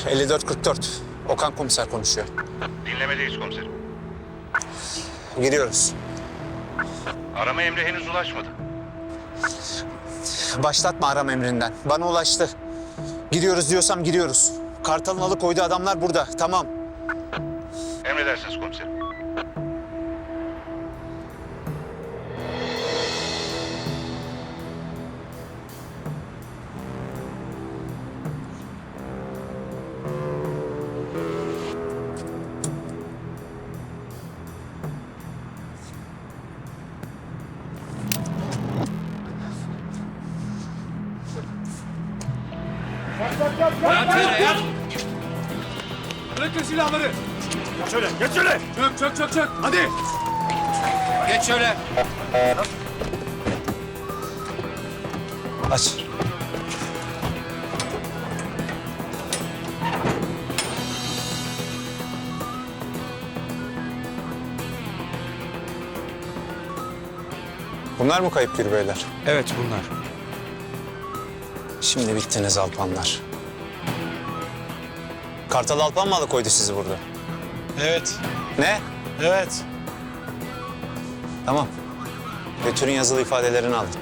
54-44. Okan komiser konuşuyor. Dinlemedeyiz komiserim. Giriyoruz. Arama emri henüz ulaşmadı. Başlatma arama emrinden. Bana ulaştı. Giriyoruz diyorsam giriyoruz. Kartal'ın alıkoyduğu adamlar burada. Tamam. Emredersiniz komiserim. Yat yere yat! Bırakın silahları! Geç şöyle, geç şöyle! Çök! Hadi! Geç şöyle! Aç. Bunlar mı kayıp beyler? Evet bunlar. Şimdi bittiniz Alpanlar. Kartal Alpan mı alıkoydu sizi burada? Evet. Ne? Evet. Tamam. Götürün yazılı ifadelerini alın.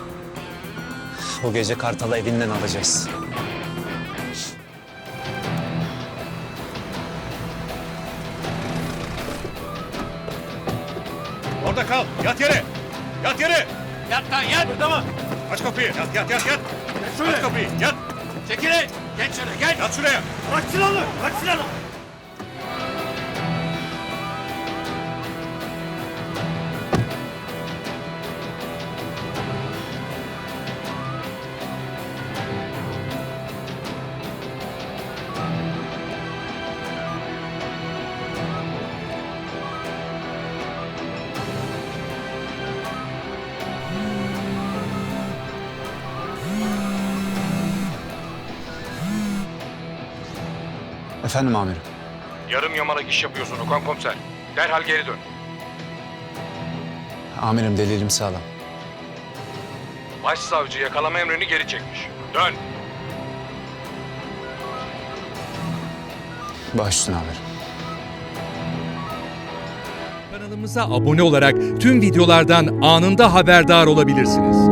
Bu gece Kartal'ı evinden alacağız. Orada kal, yat yere! Yat yere! Yat lan yat! Burada mı? Aç kapıyı, yat! Geç şöyle! Aç kapıyı, yat! Çekilin! Geç şöyle geç! Yat şuraya! Bırak silahını! Bırak silahını! Efendim amirim. Yarım yamalak iş yapıyorsun Okan komiser. Derhal geri dön. Amirim delilim sağlam. Başsavcı yakalama emrini geri çekmiş. Dön! Baş üstüne amirim. Kanalımıza abone olarak tüm videolardan anında haberdar olabilirsiniz.